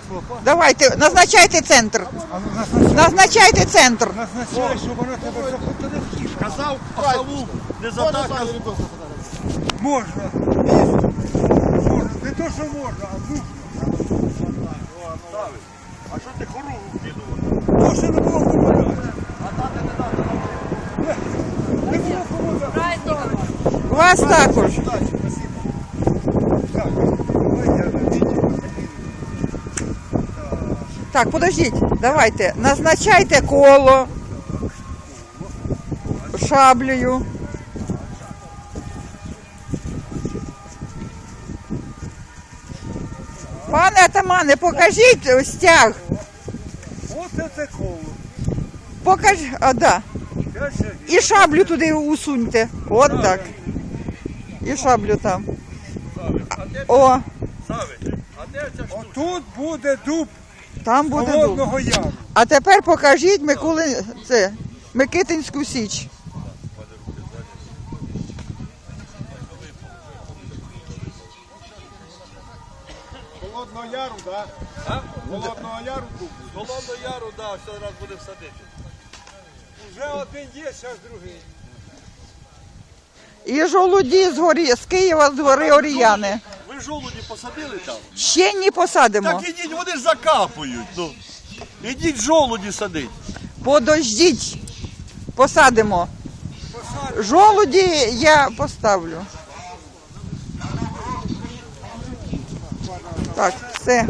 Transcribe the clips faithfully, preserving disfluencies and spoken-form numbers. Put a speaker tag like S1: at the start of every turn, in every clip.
S1: Давайте, назначайте центр. Назначайте центр.
S2: Назначай, щоб вона тебе заходила в кішку. Казав, пахаву, не затакав. Можна. Можна. Не то, що можна, а нужно.
S3: А що ти хоругу вкидував?
S2: Може не було помагати.
S3: А дати не дати.
S2: Не було помагати.
S1: Вас також.
S2: Так, ой, я не бачу.
S1: Так, подождіть, давайте. Назначайте коло шаблею. Пане атамане, покажіть стяг.
S2: Оце це коло.
S1: Покаж, а, да.
S2: П'ять шагів.
S1: І шаблю туди усуньте. От так. І шаблю там. О,
S3: Савич, а де ця штука?
S2: Отут буде дуб
S1: там буде дуб.
S2: Холодного Яру.
S1: А тепер покажіть Миколи, це, Микитинську Січ.
S2: Холодного Яру, так?
S3: А?
S2: Холодного Яру дуб.
S3: Холодного Яру, да, все раз буде всадити.
S2: Вже один є, зараз другий.
S1: І жолуді з горі, з Києва, з гори Оріяни.
S3: Ви жолуді посадили там?
S1: Ще не посадимо.
S3: Так ідіть, вони ж закапують. Ну. Ідіть жолуді садить.
S1: Подождіть, посадимо. Жолуді я поставлю. Так, все.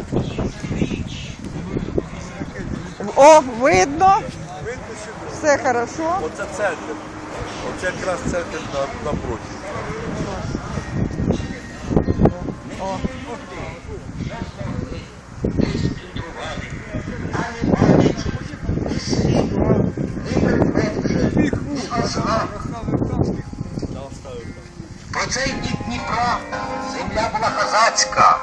S1: О, видно. Все хорошо.
S3: Оце центр. Оце якраз центр на, напроти.
S1: О.
S4: Про цей бік Дніпра земля була козацька,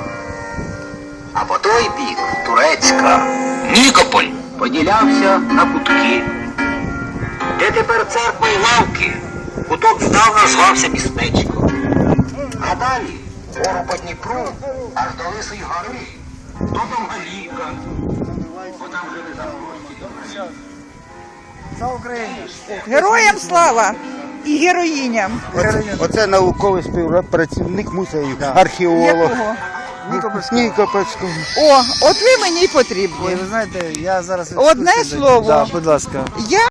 S4: а по той бік турецька. Нікополь поділявся на кутки. Де тепер церква й лавки, куток здавна звався містечко. А далі гору по Дніпру аж до Лисої гори, то Довгалівка, бо там жили заможні.
S2: За Україну.
S1: Героям слава і героїням.
S5: Оце, оце науковий співпрацівник музею, археолог
S1: Якого?
S5: Нікопольського.
S1: О, от ви мені й потрібні.
S6: Ви знаєте, я зараз...
S1: Одне
S6: екскурсію даю.
S1: слово.
S6: Да, будь ласка.
S1: Я